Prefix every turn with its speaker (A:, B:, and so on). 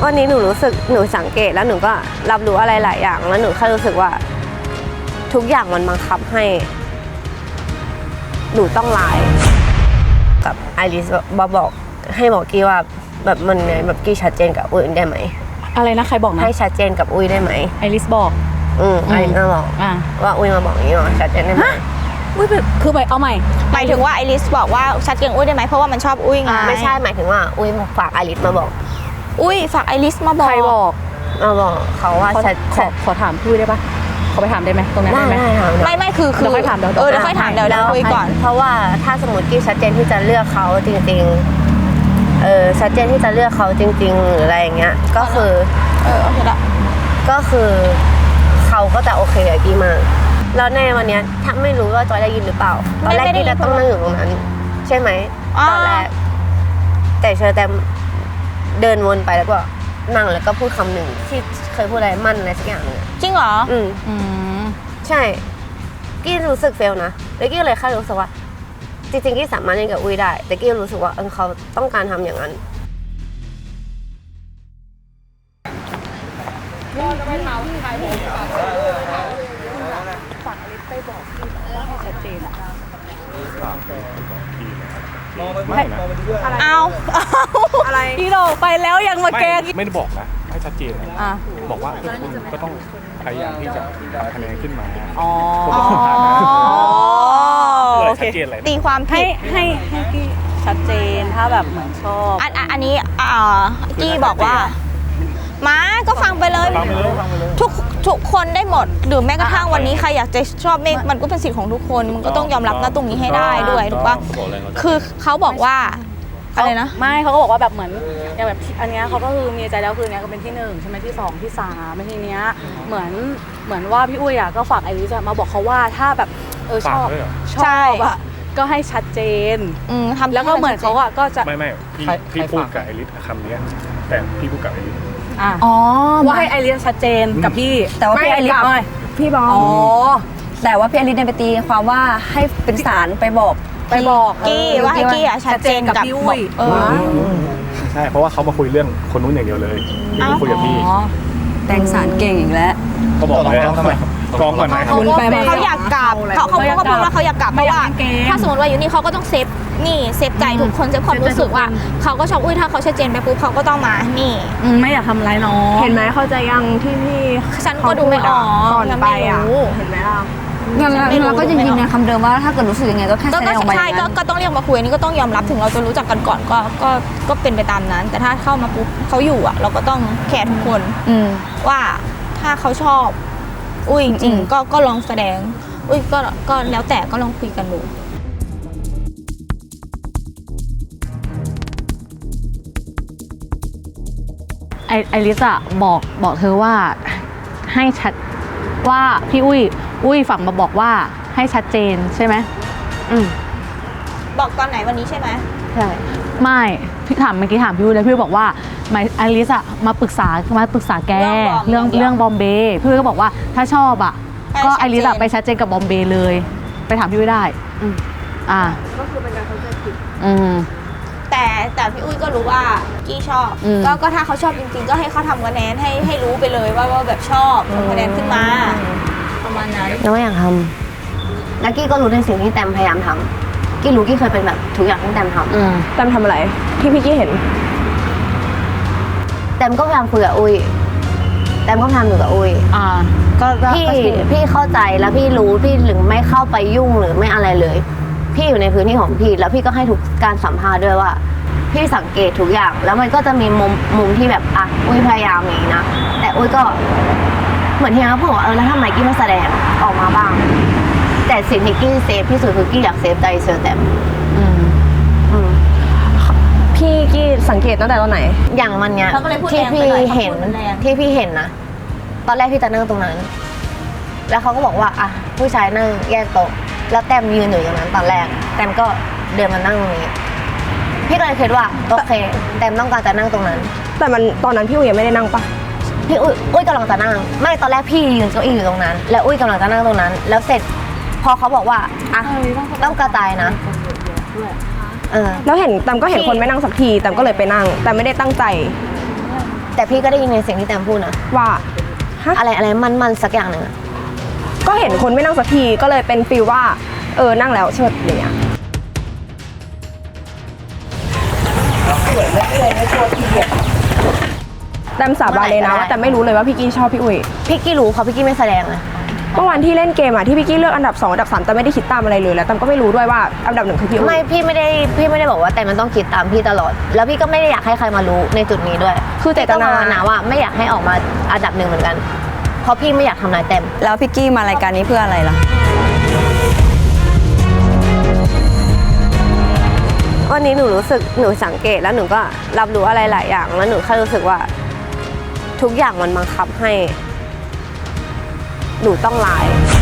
A: วันนี้หนูรู้สึกหนูสังเกตแล้วหนูก็รับรู้อะไรหลายอย่างแล้วหนูแค่รู้สึกว่าทุกอย่างมันบังคับให้หนูต้องไลน์กับไอริสบอกให้บอกกี้ว่าแบบมันไงแบบกี้ชัดเจนกับอุ้ยได้ไหม
B: อะไรนะใครบอกนะ
A: ให้ชัดเจนกับอุ้ยได้ไหม
B: ไอริสบอก
A: ไอริสมาบอกว่าอุ้ยมาบอกอย่างนี้หรอชัดเจนได้ไหม
B: อุ้ยคือเอาใหม่
C: หมายถึงว่าไอริสบอกว่าชัดเจนอุ้ยได้ไหมเพราะว่ามันชอบอุ้ยไง
A: ไม่ใช่หมายถึงว่าอุ้ยฝากไอริสมาบอก
C: อุ้ยฝากไอริสมาบอก
B: ใครบอก
A: มาบอกเขาว่า
B: ขอถามพี่ได้ปะเขาไปถามได้ไหมตรงนั้นได้ไหม
C: ไม่คือ
B: เดี๋ยวค่อยถามเดี๋ยว
C: ค่อยถามเดี๋ยวคุยก่อน
A: เพราะว่าถ้าสมมติกี้ชัดเจนที่จะเลือกเขาจริงๆชัดเจนที่จะเลือกเขาจริงๆหรืออะไรอย่างเงี้ยก็คือ
C: โอเคละ
A: ก็คือเขาก็จะโอเคกับกี้มากแล้วในวันนี้ถ้าไม่รู้ว่าจอยได้ยินหรือเปล่าตอนแรกกี้จะต้องนั่งอยู่ตรงนั้นใช่ไหมตอนแรกแต่เชอแตมเดินวนไปแล้วก็นั่งแล้วก็พูดคำหนึ่งที่เคยพูดอะไรมั่นอะไรสักอย่างนึง
C: จริงเหรอ
A: ใช่กี้รู้สึกเฟลนะแล้วกี้เลยแค่รู้สึกว่าจริงๆกี้สามารถเล่นกับอุ้ยได้แต่กี้รู้สึกว่าเขาต้องการทำอย่างนั้น
B: ฝั่งอลิสไปบอกพี่ว่าให้ชัดเจนอะ
C: เอา
B: อะไรพี่โดไปแล้วยังมาแกง
D: ไม่ได้บอกนะให้ชัดเจนบอกว่าคุณก็ต้องพยายามที่จะทำคะแนนขึ้นมาโอเค
C: ตีความผิด
B: ให้พี่ชัดเจนถ้าแบบเหมือนชอบ
C: อันนี้กี้บอกว่าม้าก็ฟังไปเลยทุกคนได้หมดหรือแม้กระทั่งวันนี้ใครอยากจะชอบเมฆมันก็เป็นสิทธิ์ของทุกคนมันก็ต้องยอมรับนะตรงนี้ให้ได้ด้วยถูกป่ะคือเขาบอกว่าอะไรนะ
B: ไม่เขาก็บอกว่าแบบเหมือนอย่างแบบอันนี้เขาก็คือมีใจแล้วคือเนี้ยก็เป็นที่1ใช่ไหมที่2ที่3ไม่ทีเนี้ยเหมือนว่าพี่อุ้ยอ่ะก็ฝากไอริสมาบอกเขาว่าถ้าแบบชอบอ่ะก็ให้ชัดเจนแล้วก็เหมือนเขาอ่ะก็จะ
D: ไม่พี่พูดกับไอริสคำนี้แต่พี่พูดกับไอริส
B: ว่าให้ไอริสชัดเจนกับพี่
E: แต่ว่าพี่ไอริส
B: พี่บอก
E: แต่ว่าพี่ไอริสเนี่ยไปตีความว่าให้เป็นสารไปบอก
C: กี้ว่าให้กี้ชัดเจนกับ
B: พี่อุ้ย
D: ใช่เพราะว่าเขามาคุยเรื่องคนนู้นอย่างเดียวเลยไม่คุยกับพี่
E: แต่งสารเก่งอีกแล้ว
D: เขาบอกแล้วทำไมกองก่อนไหม
C: เขาอยากกลับเขาก็พูดว่าเขาอยากกลับเพราะว่าถ้าสมมติว่าอยู่นี่เขาก็ต้องเซฟใจทุกคนเซฟความรู้สึกว่าเขาก็ชอบอุ้ยถ้าเขาชัดเจนไปปุ๊บเขาก็ต้องมานี่
B: ไม่อยากทำร้ายน้อง
A: เห็นไหมเข้าใจยังที่พี่
C: ฉันก็ดูไม่ออก
A: ก่อนไปอ่ะเห็นไหมล่ะ
E: เราก็ยังยืนยันคำเดิมว่าถ้าเกิดรู้สึกยังไงก็แค่แสดงออกมา
C: ใช่ก็ต้องเรียกมาคุยนี่ก็ต้องยอมรับถึงเราจะรู้จักกันก่อนก็เป็นไปตามนั้นแต่ถ้าเข้ามาปุ๊บเขาอยู่อ่ะเราก็ต้องแคร์ทุกคนว่าถ้าเขาชอบอุ้ยจริงๆก็ลองแสดงอุ้ยก็แล้วแต่ก็ลองคุยกันดู
B: ไอริสอะบอกเธอว่าให้ชัดว่าพี่อุ้ยฝั่งมาบอกว่าให้ชัดเจนใช่ไหม
C: บอกตอนไหนวันนี้ใช่ไหม
B: ใช่ไม่พี่ถามเมื่อกี้ถามพี่อุ้ยแล้วพี่บอกว่าไอริสอะมาปรึกษาแกเรื่องบอมเบย์พี่อุ้ยก็บอกว่าถ้าชอบอะก็ไอริสอะไปชัดเจนกับบอมเบย์เลยไปถามพี่อุ้ยได้
A: ก็คือเป็นการเข้าใจผิด
C: แต่พี่อุ้ยก็รู้ว่ากี้ชอบก็ถ้าเขาชอบจริงๆก็ให้เขาทำคะแนนให้รู้ไปเลยว่าแบบชอบทำคะแนนขึ้นมาประมาณนั้น
A: แล้วอยากทำแล้วกี้ก็รู้ในสิ่งที่แตมพยายามทำกี้รู้กี้เคยเป็นแบบทุกอย่างที่แตมทำแตมทำอะไรที่พี่กี้เห็นแตมก็พยายามคุยกับอุ้ยแตมก็พยายามอยู่กับอุ้ยก็พี่เข้าใจแล้วพี่รู้พี่ถึงไม่เข้าไปยุ่งหรือไม่อะไรเลยพี่อยู่ในพื้นที่ของพี่แล้วพี่ก็ให้ทุกการสัมภาษณ์ด้วยว่าพี่สังเกตทุกอย่างแล้วมันก็จะมีมุมที่แบบอุ้ยพยายามอย่างนี้นะแต่อุ้ยก็เหมือนที่เขาบอกว่าแล้วทำไมกี้ไม่แสดงออกมาบ้างแต่สิ่งที่กี้เซฟที่สุดคือกี้อยากเซฟใจเชอร์แตมพี่กี้สังเกตตั้งแต่ตอนไหนอย่างมันเนี้ยที่พี่เห็นนะตอนแรกพี่จะนั่งตรงนั้นแล้วเขาก็บอกว่าผู้ชายนั่งแยกโต๊ะแล้วแต้มยืนอยู่ตรงนั้นตอนแรกแต้มก็เดินมานั่งตรงนี้พี่ก็เลยคิดว่าโอเคแต้มต้องการจะนั่งตรงนั้นแต่มันตอนนั้นพี่อุ้ยยังไม่ได้นั่งปะพี่อุ้ยกำลังจะนั่งไม่ตอนแรกพี่ยืนเก้าอี้อยู่ตรงนั้นแล้วอุ้ยกำลังจะนั่งตรงนั้นแล้วเสร็จพอเขาบอกว่าต้องกระจายนะแล้วเห็นแต้มก็เห็นคนไม่นั่งสักทีแต้มก็เลยไปนั่งแต่ไม่ได้ตั้งใจแต่พี่ก็ได้ยินในเสียงที่แตมพูดนะ
F: ว่าฮะ
A: อะไรมันสักอย่างหนึ่งอะ
F: ก็เห็นคนไม่นั่งสักทีก็เลยเป็นฟีลว่านั่งแล้วเชิดอย่างเงี้ยแตมสาบานเลยนะว่าแต่ไม่รู้เลยว่าพี่กี้ชอบพี่อุ้ย
A: พี่กี้รู้เขาพี่กี้ไม่แสดงเลย
F: เมื่อวันที่เล่นเกมที่พี่กี้เลือกอันดับ2อันดับ3แต่ไม่ได้คิดตามอะไรเลยแล้วแตมก็ไม่รู้ด้วยว่าอันดับ1คือพี่อุ้ย
A: ไม่พี่ไม่ได้บอกว่าแต่มันต้องคิดตามพี่ตลอด แล้วพี่ก็ไม่ได้อยากให้ใครมารู้ในจุดนี้ด้วย
F: คือเจตนา
A: ก็ภาวนาว่าไม่อยากให้ออกมาอันดับ1เหมือนกันเพราะพี่ไม่อยากทำลายแต้ม
E: แล้วพี่กี้มารายการนี้เพื่ออะไรล่ะ
F: วันนี้หนูสังเกตแล้วหนูก็รับรู้อะไรหลายอย่างแล้วหนูแค่รู้สึกว่าทุกอย่างมันบังคับให้หนูต้องไลฟ์